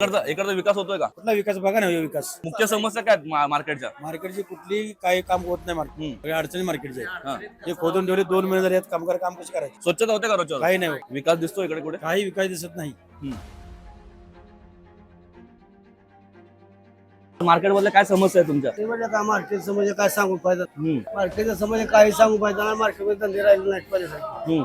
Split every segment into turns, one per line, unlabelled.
इकडचा विकास होतोय का?
कुठला विकास बघा ना, विकास
मुख्य समस्या काय आहेत मार्केटच्या?
मार्केटची कुठली काही काम होत नाही. मार्केट सगळ्या अडचणी मार्केटचे
हा.
हे खोदून ठेवले 2 महिने झाले, कामगार काम कसे करायचे?
स्वच्छता होते का रोजच्या?
काही नाही होत.
विकास दिसतो इकडे कुठे?
काही विकास दिसत नाही.
मार्केट मधल्या काय समस्या आहे तुमच्या?
ते म्हणजे काय मार्केट समजे काय सांगू पाहिजे, मार्केटचं समजे काही सांगू पाहिजे ना, मार्केटमध्ये धंदे राहिले नाहीत पाहिजे.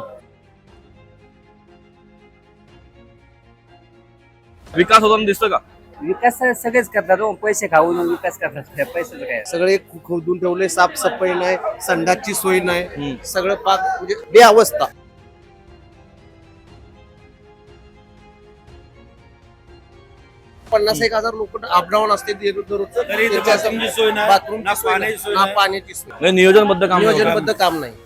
विकास होताना दिसतो का?
विकास सगळेच करतात हो, पैसे खाऊन विकास करतात. पैशाचं काय
सगळे खोदून ठेवले, साफसफाई नाही, संडासची सोय नाही, सगळं पाक म्हणजे बेअवस्था. पन्नास 1,000 लोक अपडाऊन असते दररोजचं.
तरी इथे
त्याच्या
बाथरूमची सोय नाही,
बाथरूमची
ना
सोय
पाण्याची
नाही,
सोय
ना
नाही.
पाण्याची सोय,
म्हणजे नियोजनबद्ध काम नाही.
नियोजनबद्ध काम नाही.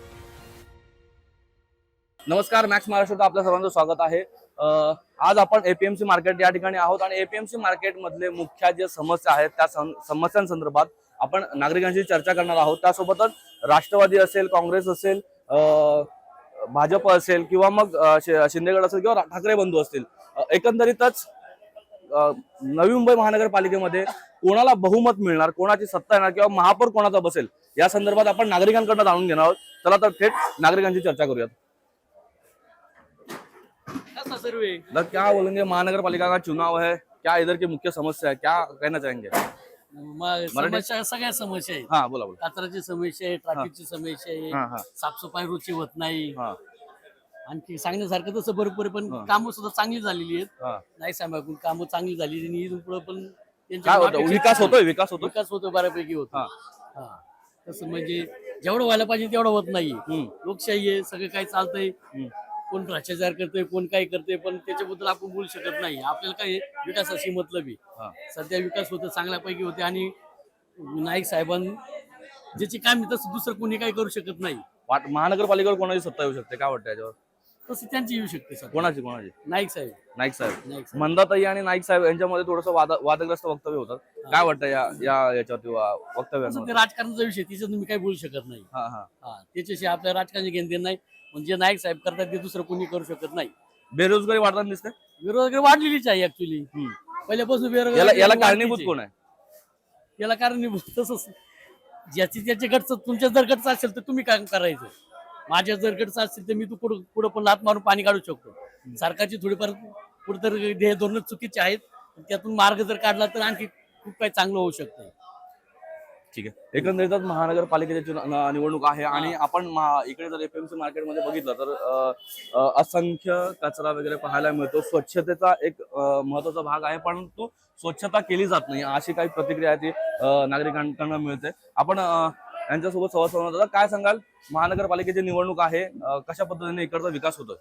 नमस्कार, मॅक्स महाराष्ट्रात आपल्या सर्वांचं स्वागत आहे. आज आपण एपीएमसी मार्केट या ठिकाणी आहोत आणि एपीएमसी मार्केट मधले मुख्य जे समस्या आहेत त्या समस्यांसंदर्भात आपण नागरिकांशी चर्चा करणार आहोत. त्यासोबतच राष्ट्रवादी असेल, काँग्रेस असेल, भाजप असेल किंवा मग शिंदेगड असेल किंवा ठाकरे बंधू असतील, एकंदरीतच नवी मुंबई महानगरपालिकेमध्ये कोणाला बहुमत मिळणार, कोणाची सत्ता येणार किंवा महापौर कोणाचा बसेल या संदर्भात आपण नागरिकांकडून जाणून घेणार आहोत. चला तर थेट नागरिकांची चर्चा करूयात. तो क्या बोलेंगे, महानगरपालिका का चुनाव है, क्या इधर की मुख्य समस्या है, क्या कहना चाहेंगे?
समस्या सगळ्या समस्या आहेत.
हाँ बोला बोला.
कचऱ्याची समस्या आहे, ट्रॅफिकची समस्या
हा,
आहे,
हा.
साफसफाई रुची होत नाही.
हा,
आणखी सांगण्यासारखं तसं भरपूर आहे, पण कामं सुद्धा चांगली झालेली आहेत.
हा.
नाही सांगा कामं चांगली झालेली आणि इथून पुढे पण
काय होतं? विकास होतोय, विकास होतोय.
विकास होतो, बऱ्यापैकी होतो.
हा.
हा. तसं म्हणजे जेवढं व्हायला पाहिजे तेवढं होत नाही. लोकशाही आहे, सगळं काही चालतंय. कोण भ्रष्टाचार करतोय, कोण काय करतोय, पण त्याच्याबद्दल आपण बोलू शकत नाही. आपल्याला काय विकासाशी मतलब आहे. सध्या विकास होतं, चांगल्यापैकी होते आणि नाईक साहेबां ज्याची काम तसं दुसरं कोणी काही करू शकत नाही.
महानगरपालिकेवर कोणाची सत्ता येऊ शकते, काय वाटतं याच्यावर?
तसं त्यांची येऊ शकते सर.
कोणाची?
नाईक साहेब.
नाईक साहेब.
नाईक साहेब.
मंदाताई आणि नाईक साहेब यांच्यामध्ये थोडंसं वादग्रस्त वक्तव्य होतात. काय वाटतं याच्यावरती वक्तव्य?
ते राजकारणाचा विषय, तिच्यात तुम्ही काही बोलू शकत नाही. त्याच्याशी आपल्या राजकारणाची घेणदेण नाही. म्हणजे नाईक साहेब करतात ते दुसरं कोणी करू शकत नाही.
बेरोजगारी वाढताना दिसते.
बेरोजगारी वाढलेलीच आहे ऍक्च्युली. पहिल्यापासून
याला कारणीभूत कोण आहे?
याला कारणीभूत तसंच ज्याची त्याचे गटचं, तुमच्या जर गटचं असेल तर तुम्ही काय करायचं. माझ्या जर गटचं असेल तर मी तू पुढं पण लात मारून पाणी काढू शकतो. सरकारची थोडीफार कुठेतर ध्येय धोरण चुकीचे आहेत, त्यातून मार्ग जर काढला तर आणखी खूप काही चांगलं होऊ शकतं.
ठीक आहे. एकंदरीतच महानगरपालिकेची निवडणूक आहे आणि आपण इकडे जर एपीएमसी मार्केटमध्ये बघितलं तर असंख्य कचरा वगैरे पाहायला मिळतो. स्वच्छतेचा एक महत्वाचा भाग आहे, परंतु स्वच्छता केली जात नाही अशी काही प्रतिक्रिया ती नागरिकांकडून मिळते. आपण यांच्यासोबत संवाद साधणार. काय सांगाल, महानगरपालिकेची निवडणूक आहे, कशा पद्धतीने इकडचा विकास होतोय?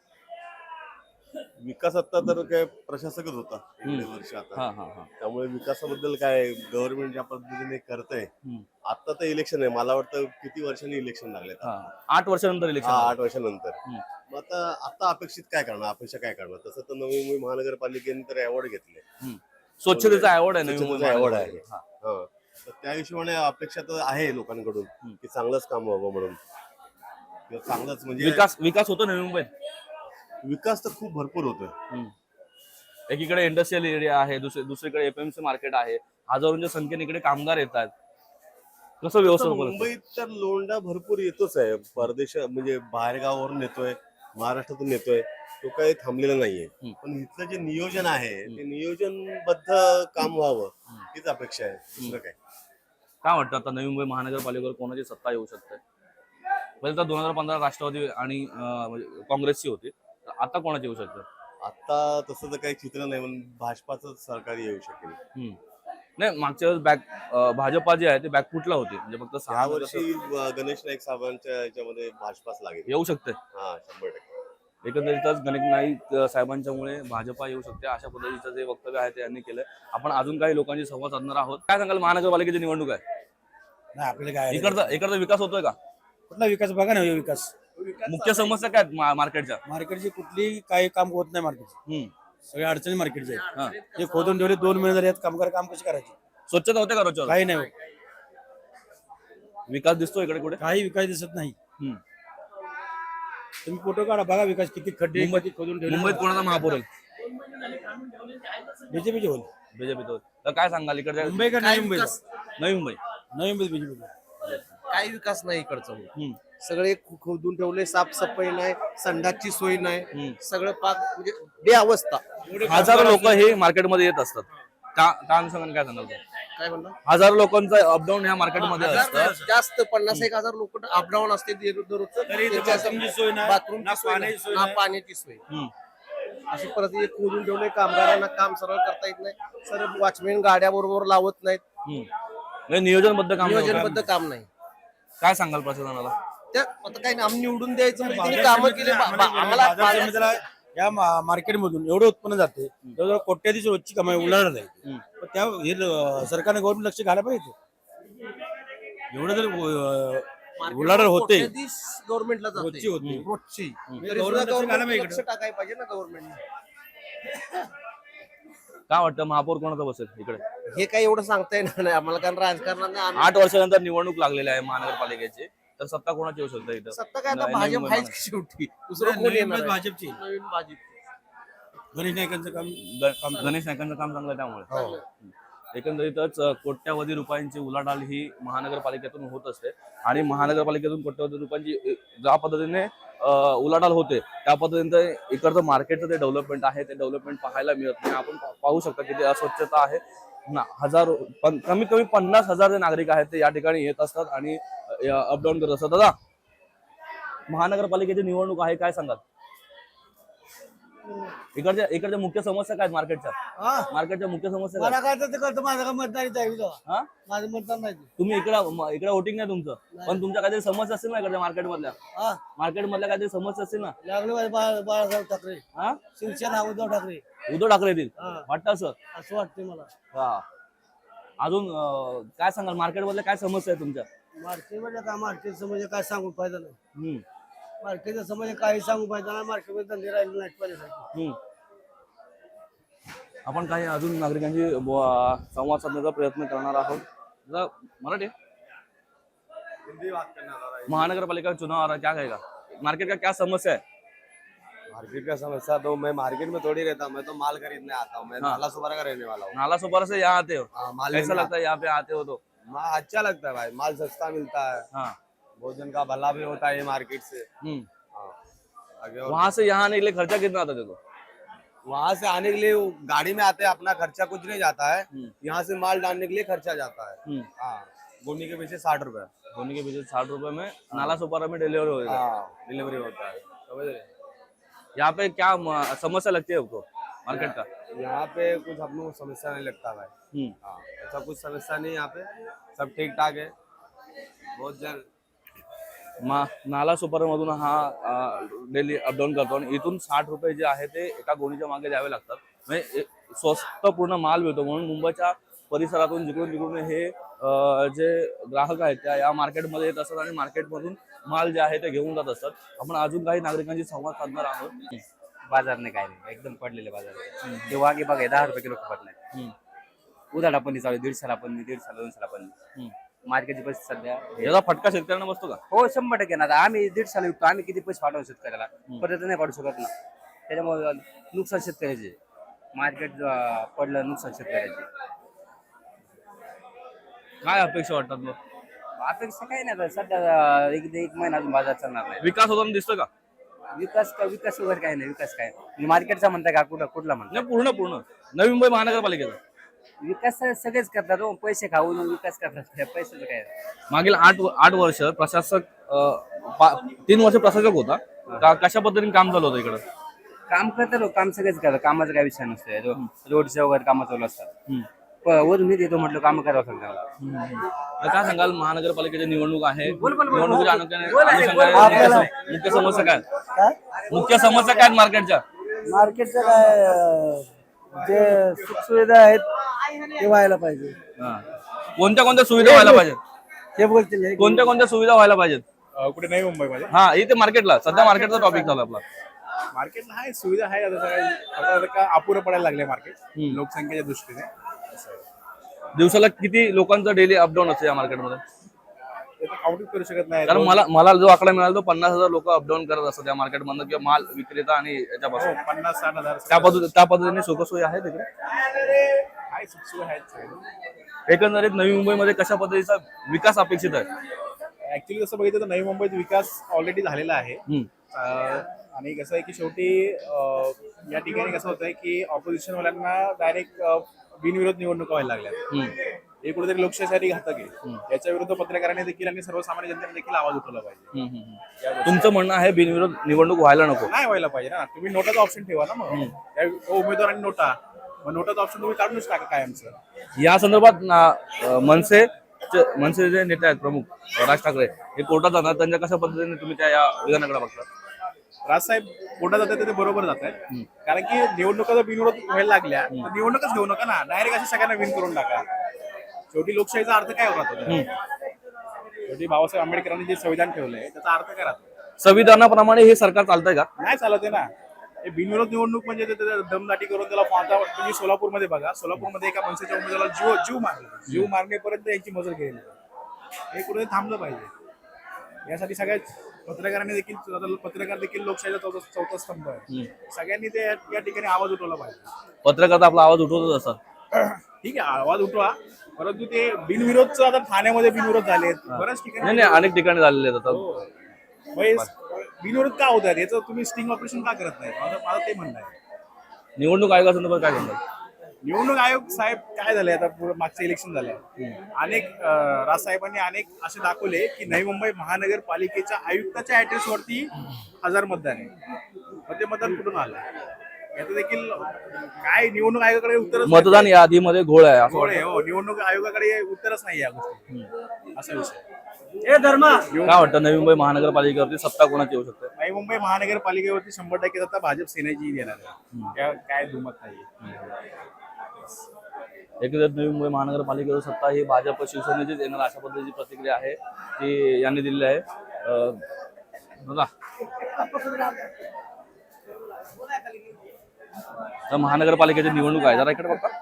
विकास आता तर काय प्रशासकच होता एवढे वर्ष आता. त्यामुळे विकासाबद्दल काय गव्हर्नमेंट ज्या पद्धतीने करतंय. आता तर इलेक्शन आहे, मला वाटतं किती वर्षांनी इलेक्शन लागले?
8 वर्षांनंतर इलेक्शन.
8 वर्षांनंतर. मग आता अपेक्षित काय करणार, अपेक्षा काय करणार? तसं तर नवी मुंबई महानगरपालिकेने तर अवॉर्ड घेतले,
स्वच्छतेचा अवॉर्ड आहे.
अवॉर्ड आहे. तर त्या हिशोबाने अपेक्षा तर आहे लोकांकडून की चांगलंच काम व्हावं म्हणून, चांगलंच म्हणजे
विकास होतो नवी मुंबईत.
विकास तर खूप भरपूर होतोय.
एकीकडे इंडस्ट्रियल एरिया आहे, दुसरीकडे एपीएमसी मार्केट आहे, हजारोंच्या संख्येने इकडे कामगार येतात. कसं व्यवस्था?
मुंबईत तर लोंढा भरपूर येतोच आहे, परदेश म्हणजे बाहेर गावावरून येतोय, महाराष्ट्रातून येतोय, तो काही थांबलेला नाहीये. पण इथलं जे नियोजन आहे ते नियोजनबद्ध काम व्हावं हीच अपेक्षा आहे, दुसरं काय
वाटतं आता नवी मुंबई महानगरपालिकेवर कोणाची सत्ता येऊ शकते? पहिले तर 2015 राष्ट्रवादी आणि काँग्रेसची होती, आता कोणाची येऊ शकतं?
आता तसं तर काही चित्र नाही, पण भाजपाचं सरकार येऊ शकेल.
नाही, मागच्या वेळेस भाजपा जी आहे ती बॅकफुटला होती, म्हणजे फक्त 6
वर्षी गणेश नाईक साहेबांच्या याच्यामध्ये भाजपाच लागेल.
येऊ शकते.
100%.
एकंदरीतच गणेश नाईक साहेबांच्यामुळे भाजपा येऊ शकते अशा पद्धतीचं जे वक्तव्य आहे ते यांनी केलंय. आपण अजून काही लोकांशी संवाद साधणार आहोत. काय सांगाल, महानगरपालिकेची निवडणूक आहे,
नाही आपल्याला काय
इकडचा विकास होतोय का?
कुठला विकास बघा ना, विकास
मुख्य समस्या काय आहेत मार्केटच्या?
मार्केटची कुठली काही काम होत नाही. मार्केट सगळ्या अडचणी मार्केटचे हे खोदून ठेवले 2 महिने झाले, कामगार काम कसे करायचे?
स्वच्छता होते का रोजच्या?
काही नाही होत.
विकास दिसतो इकडे कुठे?
काही विकास दिसत नाही. तुम्ही फोटो काढा, बघा विकास किती खड्डे खोदून ठेवले.
मुंबईत कोणाचा महापौर आहे?
बीजेपीचे होईल.
बीजेपी तर काय सांगाल इकडच्या
मुंबई का नवी मुंबई?
नवी मुंबई?
नवी मुंबई बीजेपी.
काही विकास नाही इकडचं. सगळे खोदून ठेवले, साफसफाई नाही, संडासची सोय नाही, सगळं पाक म्हणजे बेअवस्था.
हजारो लोक हे मार्केटमध्ये येत असतात. त्या अनुषंगाने काय सांगाल तुम्ही?
काय म्हणलं,
हजारो लोकांचं अपडाऊन ह्या मार्केटमध्ये असतं.
जास्त 50-1,000 लोक अपडाऊन असते
बाथरूमची सोय नाही,
बाथरूमची
ना
सोय नाही,
पाण्याची सोय
ना
नाही.
पाण्याची सोय. अशी परिस्थिती खोदून ठेवले, कामगारांना काम सरळ करता येत नाही. सर्व वॉचमॅन गाड्या बरोबर लावत नाहीत,
म्हणजे नियोजनबद्ध काम नाही होत.
नियोजनबद्ध काम नाही.
काय सांगाल प्रशासनाला?
त्या आता काही नाही, आम्ही निवडून द्यायचं म्हणजे त्यांनी कामं केली. आम्हाला
बाजार समितीला या मार्केटमधून एवढं उत्पन्न जाते, जवळजवळ कोट्याधीश रोजची कमाई उलाढाल आहे. पण त्या हे सरकारने गव्हर्नमेंट लक्ष घालायला पाहिजे. एवढं जर उलाढाल होते
गव्हर्नमेंटला
रोजची होती.
रोजची
गव्हर्नमेंट
लक्ष टाकायला पाहिजे ना गव्हर्नमेंटने.
काय वाटतं महापौर कोणाचा बसेल इकडे?
हे काही एवढं सांगता येणार नाही आम्हाला, कारण राजकारणाने
8 वर्षानंतर निवडणूक लागलेली आहे महानगरपालिकेची, तर सत्ता कोणाची येऊ शकते इथं?
सत्ता काय आता
नवी
भाजप
मुंबई
आहेच की शेवटी, दुसरं कोण येणार आहे?
भाजपची
नवीन भाजप.
गणेश नाईकांचं काम
गणेश नाईकांचं काम चांगलं आहे त्यामुळे. एकंदरीतच कोट्यावधी रुपयांची उलाढाल ही महानगरपालिकेतून होत असते आणि महानगरपालिकेतून कोट्यावधी रुपयांची ज्या पद्धतीने उलाढाल होते त्या पद्धतीने इकडचं मार्केटचं ते डेव्हलपमेंट आहे ते डेव्हलपमेंट पाहायला मिळत नाही. आपण पाहू शकता किती अस्वच्छता आहे. हजारो कमीत कमी 50,000 जे नागरिक आहेत ते या ठिकाणी येत असतात आणि अपडाऊन करत असतात. दादा, महानगरपालिकेची निवडणूक आहे, काय सांगाल? इकडच्या मुख्य समस्या काय आहेत मार्केटच्या मुख्य समस्या काय?
मला काय तर ते करतो, माझं काय मतदारी जाईल.
हा?
माझं मतदान नाही.
तुम्ही इकडे वोटिंग नाही तुमचं, पण तुमच्या काहीतरी समस्या असतील ना इकडच्या मार्केटमधल्या काहीतरी समस्या असतील ना?
लागले बाळासाहेब ठाकरे,
हा?
शिवसेना उद्धव ठाकरे.
उद्धव ठाकरे येतील
हा.
वाटतं असं?
असं वाटतंय मला.
हा. अजून काय सांगाल मार्केटमधल्या काय समस्या आहे तुमच्या?
मार्केटमध्ये काय, मार्केटचं म्हणजे काय सांगून फायदा नाही.
हम्म.
मार्केटचं म्हणजे काही सांगू फायदा नाही. मार्केटमध्ये धंदे राहिले नाहीत पहिल्यासारखे.
आपण काही अजून नागरिकांशी संवाद साधण्याचा प्रयत्न करणार आहोत. जरा मराठी महानगरपालिका चुनाव आ रहा है, क्या कहेगा? मार्केट का क्या समस्या है?
मार्केट का समस्या तो मैं मार्केट में थोड़ी रहता हूँ, मैं तो माल खरीदने आता हूँ. मैं नाला सुपारा का रहने वाला हूँ.
नाला सुपारा से यहाँ आते हो?
माल
कैसा
लेने
लगता है यहाँ पे आते हो तो?
अच्छा लगता है भाई, माल सस्ता मिलता है,
हाँ.
भोजन का भला भी होता है मार्केट से. हाँ. आगे और
वहां से यहाँ आने के लिए खर्चा कितना आता देखो?
वहाँ से आने के लिए वो गाड़ी में आते हैं, अपना खर्चा कुछ नहीं जाता है. यहाँ से माल डालने के लिए खर्चा जाता है. हाँ, गोनी के पीछे 60 रुपए.
होने के पीछे 60 रुपए में नाला सुपारा में डिलीवरी होगा.
हाँ, डिलीवरी होता है. समझ रहे?
यहाँ पे क्या समस्या लगती है आपको मार्केट का?
यहाँ पे कुछ हम लोग समस्या नहीं लगता भाई. हाँ, ऐसा कुछ समस्या नहीं यहाँ पे, सब ठीक ठाक है. बहुत जल्द
नाला सुपारा मधून हा डेली अपडाऊन करतो आणि इथून 60 रुपये जे आहे ते एका गोणीच्या मागे द्यावे लागतात. म्हणजे स्वस्त पूर्ण माल मिळतो म्हणून मुंबईच्या परिसरातून जिकडून तिकडून हे जे ग्राहक आहेत त्या या मार्केटमध्ये येत असतात आणि मार्केटमधून माल जे आहे ते घेऊन जात असतात. आपण अजून काही नागरिकांशी संवाद साधणार आहोत.
बाजार नाही, काय नाही, एकदम पडलेले बाजार. ते वागे बघा 10 रुपये किलो खपत नाही. उधाडा पण चालू 150ला पण 150ला 200ला पण. मार्केटची परिस्थिती सध्या
याचा फटका शेतकऱ्यांना बसतो का?
हो 100% ना. आता आम्ही 150ला विकतो, आम्ही किती पैसे पाठवू शेतकऱ्याला? परत नाही पाठवू शकत ना. त्याच्यामुळे नुकसान शेतकऱ्याचे, मार्केट पडलं नुकसान शेतकऱ्याचे.
काय अपेक्षा वाटतात मग?
अपेक्षा काही नाही आता सध्या एक महिना अजून बाजार चालणार नाही.
विकास होताना दिसतो का?
विकास वगैरे काही नाही. विकास काय मार्केटचा म्हणताय का? कुठला म्हणताय?
नाही, पूर्ण नवी मुंबई महानगरपालिकेचा
विकास सगळेच करतात हो, पैसे खाऊन विकास करतात. पैशाचं काय?
मागील 8 वर्ष प्रशासक 3 वर्ष प्रशासक होता. कशा पद्धतीने काम झालं होतं इकडं?
काम करतात हो, काम सगळेच करतात. कामाचा काय विषय नसतो. रोडचे वगैरे कामं चालू असतात. वरून येतो म्हटलं काम करावं लागतं.
काय सांगाल महानगरपालिकेची निवडणूक आहे, निवडणुकीच्या अनुषंगाने मुख्य समस्या काय? मुख्य समस्या काय मार्केटच्या?
मार्केटचं काय, जे सुखसुविधा आहेत ते व्हायला पाहिजे.
कोणत्या सुविधा व्हायला पाहिजेत?
ते बोलतील
कोणत्या सुविधा व्हायला पाहिजेत?
कुठे नवी मुंबईमध्ये
हा, इथे मार्केटला सध्या मार्केटचा टॉपिक झाला आपला.
मार्केटला आहे सुविधा आहे. आता का अपुरं पडायला लागले मार्केट लोकसंख्येच्या दृष्टीने.
दिवसाला किती लोकांचं डेली अपडाऊन असतं या मार्केटमध्ये?
काउंटिंग करू शकत नाही.
कारण मला मला जो आकडा मिळाला तो 50,000 लोक अपडाऊन करत असतात त्या मार्केटमधनं किंवा माल विक्रेता आणि याच्यापासून
50-60 हजार
त्या पद्धतीने सुखसोयी आहे तिकडे.
काय सुखसोयी आहेत.
एकंदरीत नवी मुंबईमध्ये कशा पद्धतीचा विकास अपेक्षित आहे?
ऍक्च्युली कसं बघितलं तर नवी मुंबईत विकास ऑलरेडी झालेला आहे. आणि कसं आहे की शेवटी या ठिकाणी कसं होतंय की ऑपोजिशन वाल्यांना डायरेक्ट बिनविरोध निवडणुका व्हायला लागल्यात. हे कुठेतरी लोकशाहीसाठी घातक आहे. याच्या विरुद्ध पत्रकारांनी देखील आणि सर्वसामान्य जनतेने देखील आवाज उठवला पाहिजे.
तुमचं म्हणणं आहे बिनविरोध निवडणूक व्हायला नको?
नाही व्हायला पाहिजे ना. तुम्ही नोटाचा ऑप्शन ठेवा ना. मग त्या उमेदवार आणि नोटा, मग नोटाचा ऑप्शन तुम्ही काढूनच टाका कायमचं.
या संदर्भात मनसे जे नेते आहेत प्रमुख राज ठाकरे हे कोर्टात जाणार, त्यांच्या कशा पद्धतीने तुम्ही त्या या विधानाकडे बघता?
राजसाहेब कोर्टात जातात ते बरोबर जात आहेत. कारण की निवडणुका जर बिनविरोध व्हायला लागल्या तर निवडणूकच घेऊ नका ना. डायरेक्ट अशा सगळ्यांना विन करून टाका. शेवटी लोकशाहीचा अर्थ काय होता? शेवटी बाबासाहेब आंबेडकरांनी जे संविधान ठेवलंय त्याचा अर्थ काय राहतो?
संविधानाप्रमाणे हे सरकार चालतंय का?
नाही चालत आहे ना. हे बिनविरोध निवडणूक म्हणजे दमदाटी करून त्याला आता तुम्ही सोलापूरमध्ये बघा. सोलापूरमध्ये एका मनसेच्या उमेदवाराला जीव मारण्यापर्यंत यांची मजल गेलेली. हे कुठे थांबलं पाहिजे. यासाठी सगळ्या पत्रकारांनी देखील, पत्रकार देखील लोकशाहीचा चौथा स्तंभ आहे. सगळ्यांनी ते या ठिकाणी आवाज उठवला पाहिजे.
पत्रकार आपला आवाज उठवतच असतात.
ठीक आहे, आवाज उठवा, परंतु ते बिनविरोधचं आता ठाण्यामध्ये बिनविरोध झाले बऱ्याच ठिकाणी.
नाही अनेक ठिकाणी झालेले आहेत आता.
बिनविरोध का होतात याचं तुम्ही स्टिंग ऑपरेशन का करत नाही? मला ते म्हणणं आहे.
निवडणूक आयोगासंदर्भात काय सांगाल?
निवडणूक आयोग साहेब काय झालंय आता मागचं इलेक्शन झालंय. राजसाहेबांनी अनेक असे दाखवले की नवी मुंबई महानगरपालिकेच्या आयुक्ताच्या ऍड्रेस वरती 1000 मतदान आहे. म्हणजे मतदान कुठून आलं? याचं देखील काय निवडणूक आयोगाकडे उत्तर,
मतदान यादीमध्ये घोळ आहे असं
हो. निवडणूक आयोगाकडे उत्तरच नाही या गोष्टी. असा विषय.
काय वाटतं नवी मुंबई महानगरपालिकेवरती सत्ता कोणाची येऊ शकते?
नवी मुंबई महानगरपालिकेवरती 100% आता भाजप सेनेची येणार आहे. काय दुमत नाही.
एकंदरीत नवी मुंबई महानगरपालिकेवर सत्ता ही भाजप शिवसेनेचीच येणार अशा पद्धतीची प्रतिक्रिया आहे ती यांनी दिलेली आहे. बघा महानगरपालिकेची निवडणूक आहे, जरा इकडे बघा.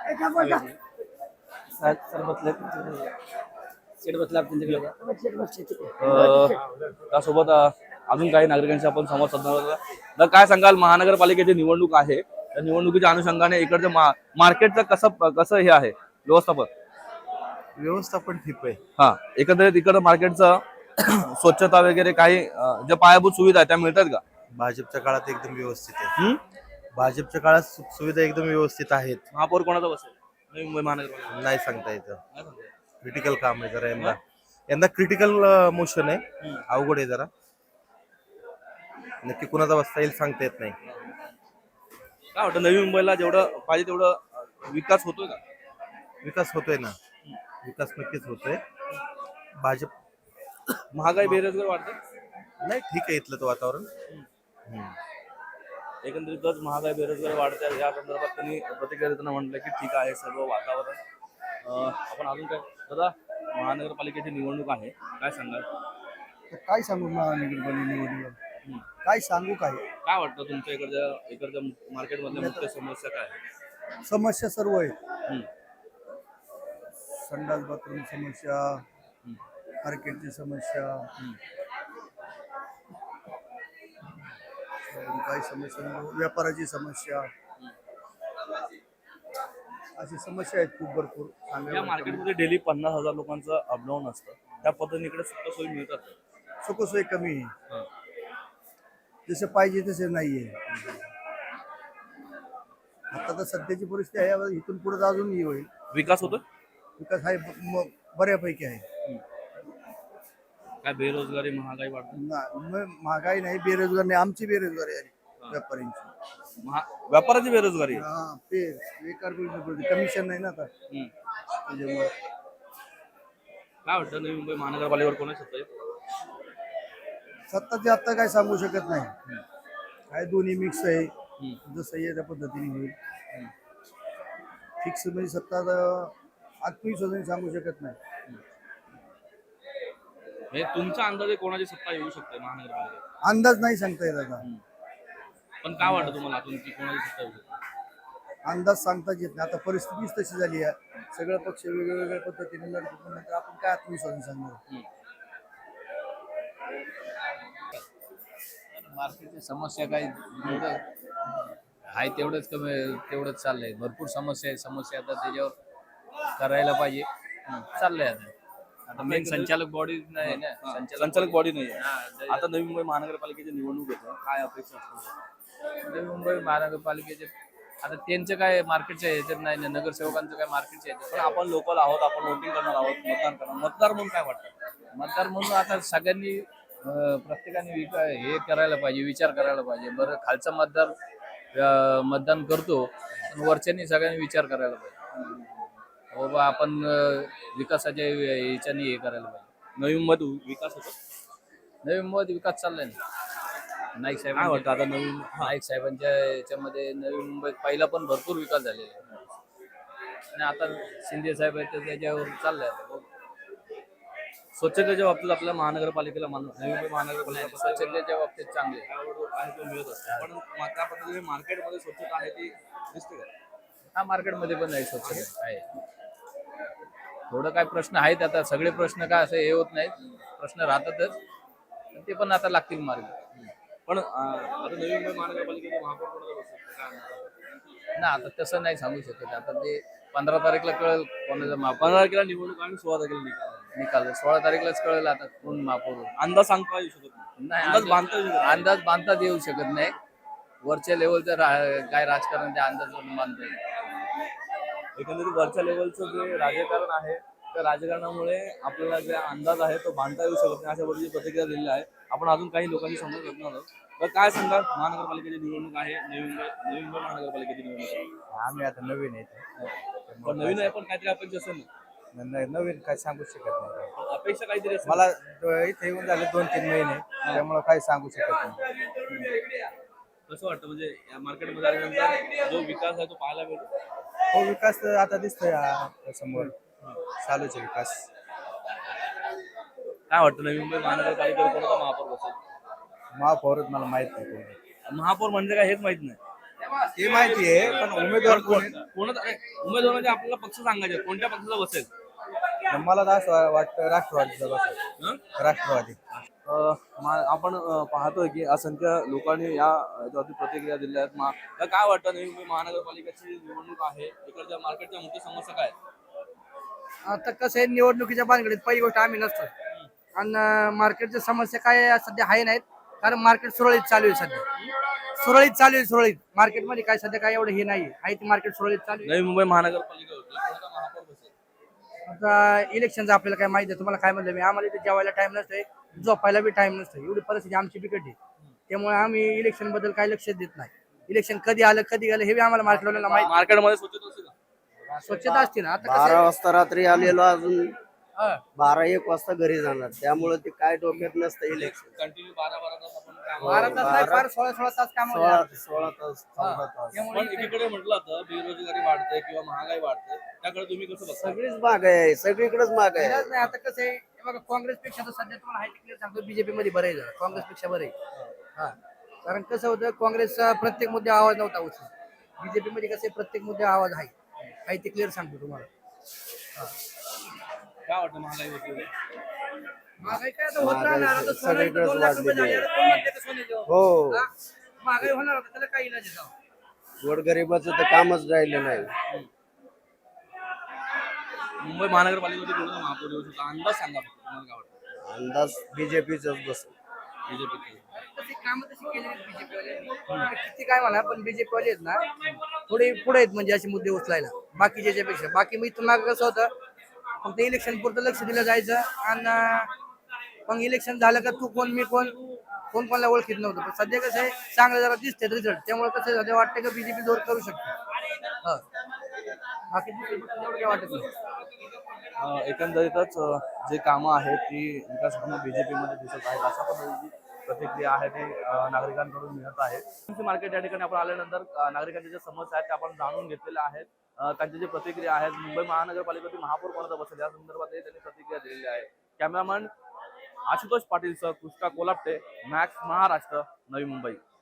त्यासोबत अजून काही नागरिकांशी आपण संवाद साधणार आहोत. तर काय सांगाल, महानगरपालिकेची निवडणूक आहे, त्या निवडणुकीच्या अनुषंगाने इकडचं मार्केटचं कसं हे आहे
व्यवस्थापन ठीक आहे.
हा, एकंदरीत इकडं मार्केटचं स्वच्छता वगैरे काही ज्या पायाभूत सुविधा आहेत त्या मिळतात का?
भाजपच्या काळात एकदम व्यवस्थित आहे. भाजपच्या काळात सुविधा एकदम व्यवस्थित आहेत.
महापौर कोणाचा बसेल नवी मुंबई महानगरपालिका?
नाही सांगता येतं. क्रिटिकल काम आहे जरा यंदा क्रिटिकल मोशन आहे. अवघड आहे जरा. नक्की कुणाचा बसता येईल सांगता येत नाही.
काय वाटतं नवी मुंबईला जेवढं पाहिजे तेवढं विकास होतोय का?
विकास होतोय ना. विकास नक्कीच होतोय. भाजप
महागाई बेरोजगार वाढते?
नाही ठीक आहे इथलं तो वातावरण.
एकंदरीतच महागाई बेरोजगारी वाढते या संदर्भात त्यांनी प्रतिक्रिया देताना म्हटलं की ठीक आहे सर्व वातावरण. आपण अजून काय दादा, महानगरपालिकेची निवडणूक आहे, काय सांगाल?
काय सांगू महानगरपालिका निवडणूक? काय सांगू?
काय वाटतं तुमच्या इकडच्या मार्केटमधल्या मुख्य समस्या काय आहेत?
समस्या सर्व आहेत. संडास बाथरूम समस्या, मार्केटची समस्या, काही समस्या, व्यापाराची समस्या, अशी समस्या आहेत खूप भरपूर.
या मार्केटमध्ये डेली 50,000 लोकांचं अपडाऊन असतं, त्या पद्धतीने इकडे सुखसोयी मिळतात?
सुखसोयी कमी आहे. जसं पाहिजे तसे नाहीये. आता तर सध्याची परिस्थिती आहे, इथून पुढे अजून हे होईल.
विकास होतो?
विकास आहे, बऱ्यापैकी आहे.
काय बेरोजगारी, महागाई वाढते?
महागाई नाही, बेरोजगार नाही. आमची बेरोजगारी आहे व्यापाऱ्यांची.
व्यापाराची बेरोजगारी?
बेकार कमिशन नाही ना आता. त्याच्यामुळे
काय वाटतं नवी मुंबई महानगरपालिकेवर कोणाची सत्ता येईल?
सत्ताचे आता काय सांगू शकत नाही. काय दोन्ही मिक्स आहे. जसं आहे त्या पद्धतीने होईल. फिक्स म्हणजे सत्ता आत्मविश्वासाने सांगू शकत नाही.
तुमचा अंदाजे कोणाची सत्ता येऊ शकते महानगरपालिकेत?
अंदाज नाही सांगता येत आता.
पण काय वाटतं तुम्हाला अजून की कोणाची सत्ता येऊ शकते?
अंदाज सांगताच येत नाही. आता परिस्थितीच तशी झाली आहे. सगळे पक्ष वेगवेगळ्या पद्धतीने लढतो, पण आपण काय आत्मविश्वासाने सांगणार?
मार्केटची समस्या काय जेवढं आहे तेवढंच कमी, तेवढंच चाललंय. भरपूर समस्या आहे. समस्या आता त्याच्यावर करायला पाहिजे. चाललंय आता मेन संचालक बॉडी नाही ना.
संचालक बॉडी नाही आहे.
हा,
आता नवी मुंबई महानगरपालिकेची निवडणूक येते, काय अपेक्षा असतात?
नवी मुंबई महानगरपालिकेचे आता त्यांचं काय मार्केटच्या ह्याच्यात नाही ना. नगरसेवकांचं काय मार्केटच्या
पण
ह्याच्यात
आपण लोकल आहोत, आपण वोटिंग करणार आहोत, मतदान करणार. मतदार म्हणून काय वाटतं?
मतदार म्हणून आता सगळ्यांनी प्रत्येकाने हे करायला पाहिजे, विचार करायला पाहिजे. बरं खालचा मतदार मतदान करतो, पण वरच्यांनी सगळ्यांनी विचार करायला पाहिजे. बाबा आपण विकासाच्या ह्याच्याने हे करायला पाहिजे.
नवी मुंबईत विकास होतो.
नवी मुंबईत विकास चाललाय ना. नाईक
काय
साहेब
वाटतं आता नवीन?
नाईक साहेबांच्या याच्यामध्ये नवी मुंबईत पहिला पण भरपूर विकास झालेला आहे. आणि आता शिंदे साहेब आहेत तर त्याच्यावर चाललंय आता. बघू.
स्वच्छतेच्या बाबतीत आपल्या महानगरपालिकेला नवी मुंबई महानगरपालिका
स्वच्छतेच्या बाबतीत चांगले
मिळत असते, पण त्या पद्धतीने मार्केटमध्ये स्वच्छता आहे ती दिसते का?
हा मार्केटमध्ये पण नाही स्वच्छता आहे. थोडं काय प्रश्न आहेत, आता सगळे प्रश्न काय असं हे होत नाहीत, प्रश्न राहतातच. ते पण आता लागतील मार्ग.
पण आता नवी मुंबई महानगरपालिकेचे महापौर कोणाला बसतात? काय म्हणतात?
ना आता तसं नाही सांगू शकत. आता ते 15 तारीखला कळेल कोणाचा महापौर
15 तारखेला निवडणूक आणि 16 तारखेला निकाल.
निकाल. 16 तारीखलाच कळेल आता कोण महापौर होईल.
अंदाज सांगता येऊ शकत नाही.
नाही
अंदाज बांधता येऊ शकत नाही.
अंदाज बांधताच येऊ शकत नाही. वरच्या लेवलचं काय राजकारण त्या अंदाजावरून बांधता येईल.
एकंदरीत वरच्या लेवलचं जे राजकारण आहे त्या राजकारणामुळे आपल्याला जे अंदाज आहे तो बांधता येऊ शकत नाही, अशा पद्धतीची प्रतिक्रिया दिलेली आहे. आपण अजून काही लोकांशी संवाद करणार आहोत. तर काय सांगाल, महानगरपालिकेची निवडणूक आहे, नवी मुंबई महानगरपालिकेची निवडणूक आहे.
आम्ही आता नवीन आहे.
पण नवीन आहे, पण काहीतरी अपेक्षा असेल ना.
नवीन काय सांगू शकत नाही.
अपेक्षा काहीतरी असेल.
मला इथे येऊन झाले 2-3 महिने, त्यामुळे काही सांगू शकत नाही.
कसं वाटतं, म्हणजे या मार्केटमध्ये आल्यानंतर जो विकास आहे तो पाहायला मिळतो?
हो, विकास तर आता दिसतोय समोर, चालूच आहे विकास.
काय वाटतं, नवी मुंबई महानगरपालिकेवर कोणाचा महापौर बसेल?
महापौरच मला माहित नाही कोणी.
महापौर म्हणजे काय हेच माहित नाही.
ते माहिती आहे, पण उमेदवार कोण आहे?
कोणाचा उमेदवार म्हणजे आपल्याला पक्ष सांगायचे, कोणत्या पक्षाचा बसेल?
मला तर असं वाटतं राष्ट्रवादीचा बसेल.
हं?
राष्ट्रवादी.
आपण पाहतोय की असंख्य लोकांनी याच्यावरती प्रतिक्रिया दिल्या आहेत. तर काय वाटतं, नवी मुंबई महानगरपालिकेची निवडणूक आहे, इकडच्या मार्केटच्या मुख्य समस्या काय आहेत?
आता कसं आहे, निवडणुकीच्या भानगडीत पहिली गोष्ट आम्ही नसतो. आणि मार्केटच्या समस्या काय सध्या आहे नाहीत, कारण मार्केट सुरळीत चालू आहे. सध्या सुरळीत मार्केटमध्ये काय सध्या काय एवढं हे नाही आहे. ती मार्केट सुरळीत चालू आहे.
नवी मुंबई महानगरपालिका होती, कोणाचा महापौर बसेल?
आता इलेक्शनचं आपल्याला काय माहिती आहे. तुम्हाला काय म्हणलं मी, आम्हाला इथे जेवायला टाइम नसतोय, झोपायला बी टाइम नसतो. एवढी परिस्थिती आमची बिकट आहे. त्यामुळे आम्ही इलेक्शन बद्दल काही लक्ष देत नाही. इलेक्शन कधी आलं कधी गेलं हे बी आम्हाला मार्केटला माहिती.
मार्केटमध्ये स्वच्छता असेल का?
स्वच्छता असते ना. आता कसं
12
आहे,
वाजता रात्री आलेलो, अजून
हा.
12-1 वाजता घरी जाणार. त्यामुळे ते काय डोक्यात नसतं इलेक्शन.
कंटिन्यू 12 तास आपण काम
12 तास नाही, फार 16 तास काम
16 तास 14 तास.
पण एकीकडे म्हटलं तर बेरोजगारी वाढते किंवा महागाई वाढते, त्याकडे तुम्ही कसं बघता?
सगळीच महाग आहे, सगळीकडेच महाग आहे.
नाही. आता कसं आहे, हे बघा, काँग्रेसपेक्षा तर सध्या तुम्हाला हाय क्लिअर सांगतो, बीजेपी मध्ये बरं आहे जरा. काँग्रेसपेक्षा बरं आहे. हा, कारण कसं होतं, काँग्रेसचा प्रत्येक मुद्दे आवाज नव्हता उचलत. बीजेपी मध्ये कसं आहे, प्रत्येक मुद्दे आवाज आहे ते क्लिअर सांगतो तुम्हाला.
काय वाटतं, महागाई होती?
महागाई काय आता होत राहणार. आता सोनं इथं
सगळीकडेच
2 लाख रुपये
वाढलेली
झाले.
आहे.
आता कोण म्हणते का सोन्याचं?
हो,
हा? महागाई होणार होतं, त्याला काही इलाज आहे का?
गोरगरिबाचं तर कामच राहिलं नाही.
मुंबई महानगरपालिकेमध्ये कोणाचा महापौर येऊ शकतो, अंदाज सांगा फक्त. तुम्हाला काय वाटतं?
अंदाज बीजेपीच बस.
बीजेपी
तशी कामं तशी केली आहेत बीजेपी वाले. किती काय म्हणा, पण बीजेपी वाले आहेत ना, थोडे पुढे आहेत म्हणजे असे मुद्दे उचलायला बाकीच्या पेक्षा. बाकी मी तुम्हाला कसं होतं, फक्त इलेक्शन पुरतं लक्ष दिलं जायचं. आणि मग इलेक्शन झालं का तू कोण मी कोण कोणाला ओळखीत नव्हतं. पण सध्या कसं आहे, चांगलं जरा दिसते रिझल्ट. त्यामुळे कसं सध्या वाटतं की बीजेपी जोर करू शकते. बाकी एवढं काय वाटत नाही.
एकंदरीतच जे कामं आहेत ती विकास कामं बीजेपी मध्ये दिसत आहेत, अशा पद्धतीची प्रतिक्रिया आहे ती नागरिकांकडून मिळत आहे. मार्केट या ठिकाणी आपण आल्यानंतर नागरिकांच्या ज्या समस्या आहेत त्या आपण जाणून घेतलेल्या आहेत. त्यांच्या जे प्रतिक्रिया आहेत, मुंबई महानगरपालिकेतील महापौर कोणाचा बसेल या संदर्भात त्यांनी प्रतिक्रिया दिलेली आहे. कॅमेरामन आशुतोष पाटील सह कृष्णा कोलापटे, मॅक्स महाराष्ट्र, नवी मुंबई.